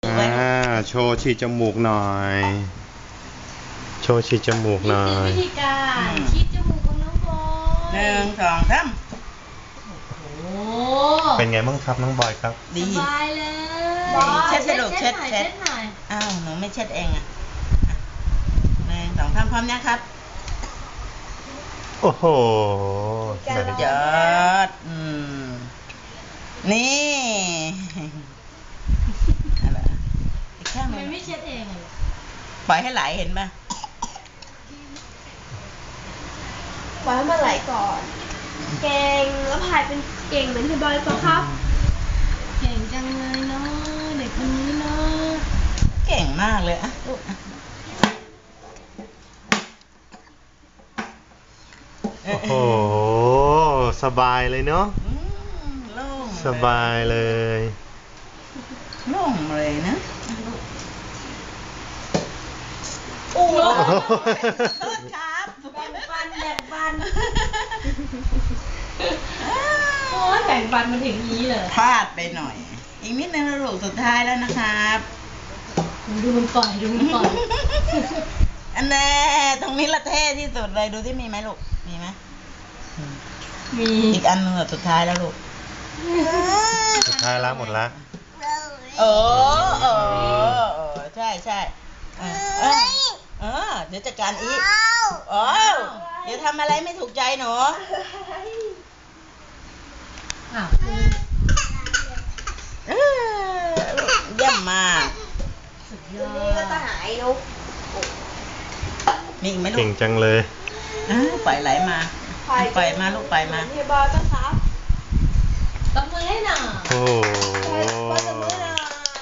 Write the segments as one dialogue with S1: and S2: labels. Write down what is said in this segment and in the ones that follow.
S1: ไว้
S2: โชว์ฉีดจมูกหน่อย โชว์ฉีดจมูกหน่อย
S3: วิธีการฉีดจมูกของน้องบอย
S1: 1 2 3
S3: โอ้
S2: เป็นไงบ้างครับน้องบอยครับ
S1: ดี
S3: สบายเลย
S1: เช็ดลูกเช็ด
S3: หน่อย
S1: อ้าวหนูไม่เช็ดเองอ่ะ1 2 3พร้อมนะครับ
S2: โอ้โห
S1: สุดยอดนี่อะไรอีกข้างห
S3: ทำไม
S1: นึ่ง
S3: ไม่เช็ดเองอ่ะ
S1: ปล่อยให้ไหลเห็นป่ะ
S4: ปล่อยให้มันไหลก่อน เก่งแล้วพายเป็นเก่งเหมือนพี่บอยปะครับ
S3: เก่งจังเลยเนาะเด็กคนนี้เนาะ
S1: เก่งมากเลยอ่ะลูก
S2: โอ้โห สบายเลยเนาะ
S1: โล่ง
S2: สบายเลย
S1: โล่งเลยนะ
S4: โอ้โห
S1: โทษครับ
S4: แบ่งปัน
S3: โอ้ยแบ่งปันมาถึงนี้เลย
S1: พลาดไปหน่อย อีกนิดนึงลูกสุดท้ายแล้วนะครับ
S3: ดูมันปล่อยดูมันปล่อย
S1: อันแน่ตรงนี้ละเท่ที่สุดเลยดูที่มีไหมลูกมีไหม
S3: มี
S1: อีกอันนึงสุดท้ายแล้วลูก
S2: สุดท้ายแล้วหมดละ
S1: เออใช่ใช่เดี๋ยวจัดการอีกเดี๋ยวทำอะไรไม่ถูกใจหนู
S3: อ้าว
S1: เยี่ยมมาก
S3: สุดย
S4: เดี๋
S3: อ
S4: ยวนี้ก็
S3: ด
S4: จะหายนุ๊ก
S1: มีอีกไหมลู
S2: เก่
S1: ก
S2: งจังเลย
S1: ปล่อยไหลมาปล่อยมาลูกปล่อยมา
S4: พี่บอยปะครับ
S3: ตบมือให้หน่อย
S2: โอ้โห
S4: บอยจะมือหน่อย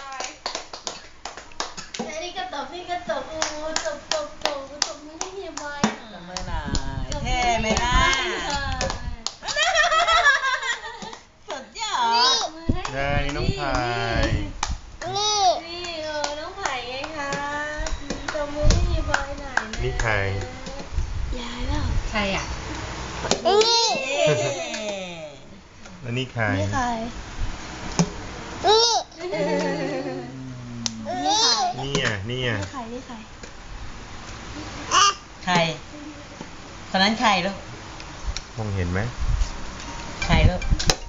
S3: นี่ก็ตบนี่ก็ตบตบมือให้เฮียบอยหน่อย
S1: ตบมือหน่อยเท่ไหมล่ะสุดยอด
S2: ได้น้องพาย
S3: นี่น้องไผ่ไงคะตบมือให้เฮียบอยหน่อยนะ
S2: นี่ใคร
S4: ยายเปล่า
S3: ใครอ่ะ
S4: นี่
S2: แล้วนี่ใคร
S4: นี่ใครนี่นี่ใคร
S2: เนี่ย
S4: นี่ใคร
S1: ใครคนนั้นใครลูก
S2: มองเห็นไหม
S1: ใครลูก